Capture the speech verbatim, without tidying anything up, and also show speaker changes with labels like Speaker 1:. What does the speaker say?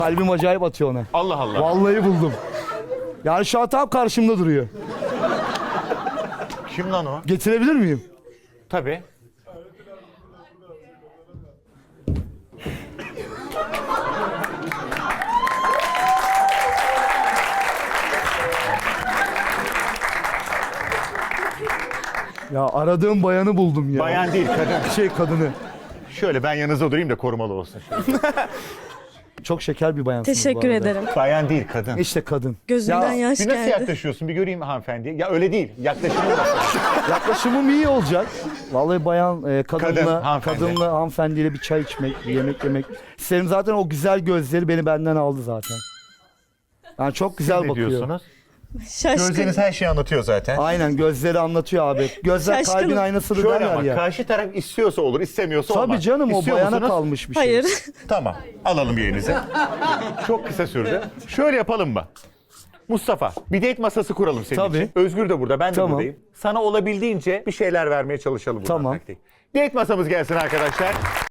Speaker 1: Kalbim acayip atıyor ona.
Speaker 2: Allah Allah.
Speaker 1: Vallahi buldum. Yani şu an tam karşımda duruyor.
Speaker 2: Kim lan o?
Speaker 1: Getirebilir miyim?
Speaker 2: Tabii.
Speaker 1: Ya aradığım bayanı buldum ya.
Speaker 2: Bayan değil, kadın.
Speaker 1: Şey kadını.
Speaker 2: Şöyle ben yanınızda durayım da korumalı olsun.
Speaker 1: Çok şeker bir bayansınız bu
Speaker 3: Teşekkür
Speaker 1: arada.
Speaker 3: ederim.
Speaker 2: Bayan değil, kadın.
Speaker 1: İşte kadın.
Speaker 3: Gözümden
Speaker 1: Ya,
Speaker 3: yaş
Speaker 2: Bir nasıl
Speaker 3: geldi.
Speaker 2: yaklaşıyorsun? Bir göreyim hanımefendi. Ya öyle değil. Yaklaşımı nasıl?
Speaker 1: yaklaşımım iyi olacak. Vallahi bayan e, kadınla,
Speaker 2: Kadın, hanımefendi.
Speaker 1: kadınla hanımefendiyle bir çay içmek, bir yemek yemek. Senin zaten o güzel gözleri beni benden aldı zaten. Yani çok güzel
Speaker 2: Ne
Speaker 1: bakıyor.
Speaker 2: diyorsunuz?
Speaker 3: Şaşkın.
Speaker 2: Gözleriniz her şeyi anlatıyor zaten.
Speaker 1: Aynen gözleri anlatıyor abi. Gözler
Speaker 3: Şaşkınım.
Speaker 1: kalbin aynasıdır
Speaker 2: Şöyle
Speaker 1: derler
Speaker 2: ama
Speaker 1: ya.
Speaker 2: karşı taraf istiyorsa olur, istemiyorsa olmaz.
Speaker 1: Tabii canım o
Speaker 2: İstiyor
Speaker 1: bayana
Speaker 2: musunuz?
Speaker 1: kalmış bir şey.
Speaker 3: Hayır.
Speaker 2: Tamam. Alalım yerinize. Çok kısa sürdü. Şöyle yapalım mı? Mustafa, bir date masası kuralım senin
Speaker 1: Tabii.
Speaker 2: için. Özgür de burada, ben de
Speaker 1: Tamam.
Speaker 2: buradayım. Sana olabildiğince bir şeyler vermeye çalışalım buradan.
Speaker 1: Tamam.
Speaker 2: taktik. Date masamız gelsin arkadaşlar.